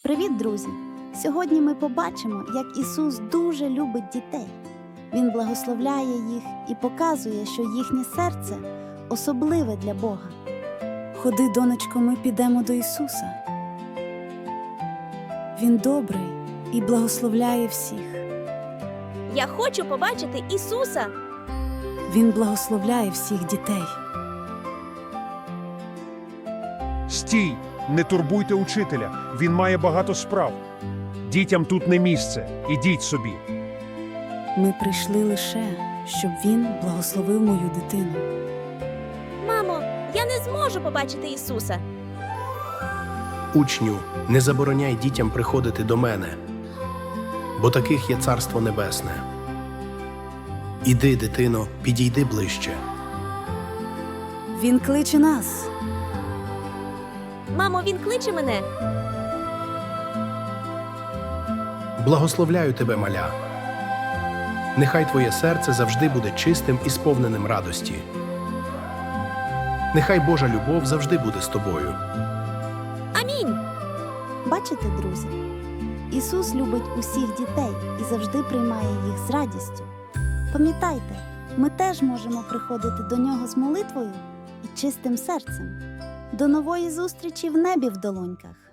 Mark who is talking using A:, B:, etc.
A: Привіт, друзі! Сьогодні ми побачимо, як Ісус дуже любить дітей. Він благословляє їх і показує, що їхнє серце особливе для Бога. Ходи, донечко, ми підемо до Ісуса. Він добрий і благословляє всіх.
B: Я хочу побачити Ісуса.
A: Він благословляє всіх дітей.
C: Стій! Не турбуйте учителя, він має багато справ. Дітям тут не місце, ідіть собі.
A: Ми прийшли лише, щоб Він благословив мою дитину.
B: Мамо, я не зможу побачити Ісуса.
D: Учню, не забороняй дітям приходити до мене, бо таких є Царство Небесне. Іди, дитино, підійди ближче.
A: Він кличе нас.
B: Мамо, він кличе мене.
D: Благословляю тебе, маля. Нехай твоє серце завжди буде чистим і сповненим радості. Нехай Божа любов завжди буде з тобою.
B: Амінь.
A: Бачите, друзі? Ісус любить усіх дітей і завжди приймає їх з радістю. Пам'ятайте, ми теж можемо приходити до Нього з молитвою і чистим серцем. До нової зустрічі в небі в долоньках!